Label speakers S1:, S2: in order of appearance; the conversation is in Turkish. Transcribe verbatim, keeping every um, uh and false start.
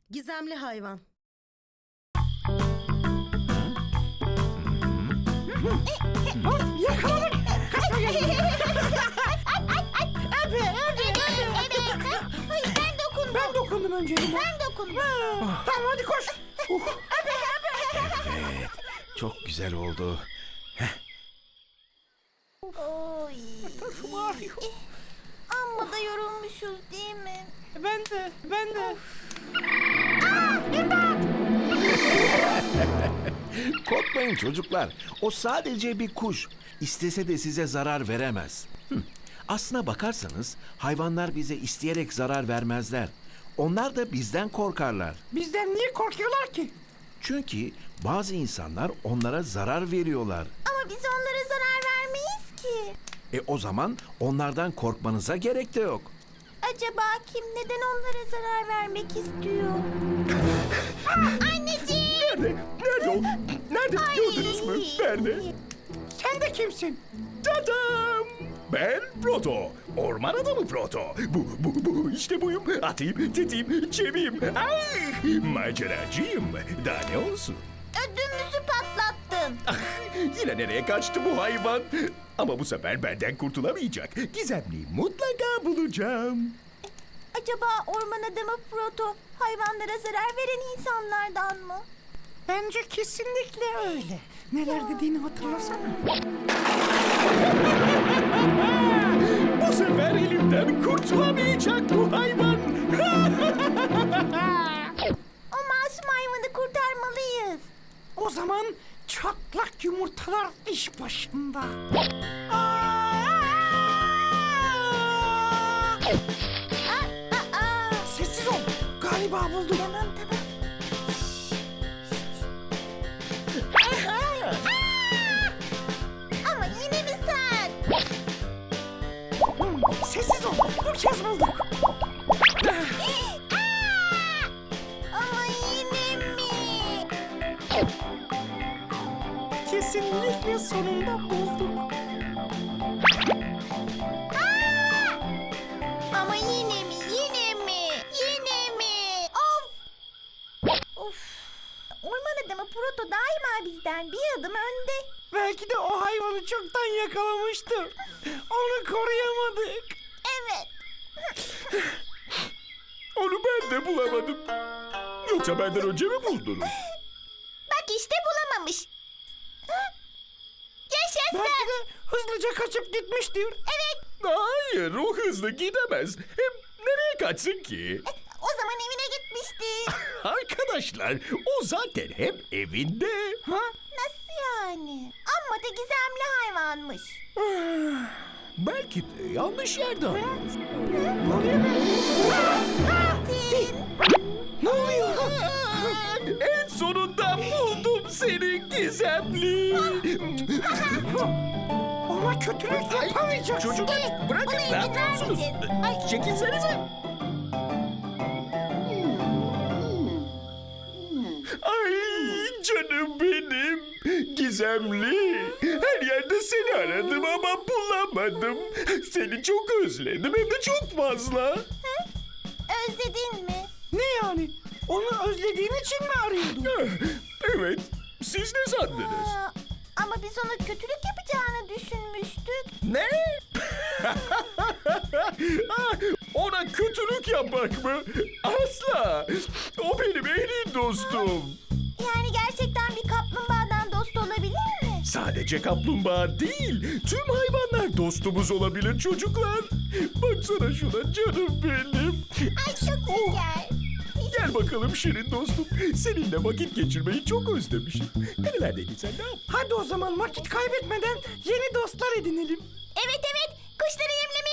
S1: Gizemli hayvan.
S2: Yakaladık. Ebe, ebe, ebe.
S3: Hayır ben dokundum.
S2: Ben dokundum önce.
S3: Ben dokundum.
S2: Tamam hadi koş.
S4: Evet, çok güzel oldu.
S3: Oy.
S2: Başım ağrıyor.
S3: Amma da yorulmuşuz değil mi?
S2: Ben de, ben de.
S4: Korkmayın çocuklar. O sadece bir kuş. İstese de size zarar veremez. Hı. Aslına bakarsanız hayvanlar bize isteyerek zarar vermezler. Onlar da bizden korkarlar.
S2: Bizden niye korkuyorlar ki?
S4: Çünkü bazı insanlar onlara zarar veriyorlar.
S3: Ama biz onlara zarar vermeyiz ki.
S4: E o zaman onlardan korkmanıza gerek de yok.
S3: Acaba kim neden onlara zarar vermek istiyor? Anneciğim!
S4: Nerede? Nerede o? Nerede?
S3: Ay.
S4: Gördünüz mü? Nerede?
S2: Sen de kimsin?
S5: Tadam! Ben Proto. Orman adamı Proto. Bu, bu, bu. İşte buyum. Atayım, tetiğim, çeviyim. Ay! Maceracıyım. Daha ne olsun?
S3: Ödümüzü patlattın.
S5: Ah, yine nereye kaçtı bu hayvan? Ama bu sefer benden kurtulamayacak. Gizemliyi mutlaka bulacağım.
S3: Acaba orman adamı Proto hayvanlara zarar veren insanlardan mı?
S2: Bence kesinlikle öyle. Neler dediğini hatırlasana.
S5: Bu sefer elimden kurtulamayacak bu hayvan.
S3: O masum hayvanı kurtarmalıyız.
S2: O zaman çatlak yumurtalar iş başında. Aa!
S3: Aa, aa.
S2: Sessiz ol. Galiba buldum.
S3: Tamam tamam. Ama yine mi sen?
S2: Hmm, sessiz ol. Bu kez bulduk.
S3: Ama yine mi?
S2: Kesinlikle sonunda bulduk.
S3: Ama yine mi? Yine mi? Yine mi? Of! Of! Orman adamı Proto daima bizden bir adım önde.
S2: Belki de o hayvanı çoktan yakalamıştı. Onu koruyamadık.
S3: Evet.
S5: Onu ben de bulamadım. Yoksa benden önce mi buldunuz?
S3: Bak işte bulamamış. Hı? Yaşasın.
S2: Belki de hızlıca kaçıp gitmiştir.
S3: Evet.
S5: Hayır, o hızlı gidemez. Hem nereye kaçsın ki?
S3: O zaman evine gitmişti.
S5: Arkadaşlar, o zaten hep evinde.
S2: Ha?
S3: Nasıl yani? Amma da gizemli hayvanmış.
S5: Belki de yanlış yerde arıyoruz.
S2: Ne oluyor be?
S3: Tin.
S2: Ne oluyor?
S5: En sonunda buldum seni gizemli.
S2: Ona kötülük yapamayacaksın.
S5: Çocuklar
S3: Evet,
S5: bırakın,
S3: ona
S5: ne
S3: izin
S5: yapıyorsunuz?
S3: vermeyeceğiz. Ay.
S5: Çekilsenize. Ay canım benim. Gizemli. Her yerde seni aradım ama bulamadım. Seni çok özledim hem de çok fazla.
S3: Özledin mi?
S2: Ne yani? Onu özlediğin için mi arıyordun?
S5: Evet. Siz ne sandınız?
S3: Aa, ama biz ona kötülük yapacağını düşünmüştük.
S5: Ne? Ah, ona kötülük yapmak mı? Asla. O benim en iyi dostum.
S3: Yani gerçekten bir kaplumbağadan dost olabilir mi?
S5: Sadece kaplumbağa değil, tüm hayvanlar dostumuz olabilir çocuklar. Baksana şuna canım benim.
S3: Ay çok şeker.
S5: Gel bakalım Şirin dostum. Seninle vakit geçirmeyi çok özlemişim. Nerelerdeydin sen, ne yaptın?
S2: Hadi o zaman vakit kaybetmeden yeni dostlar edinelim.
S3: Evet evet kuşları yemlemeye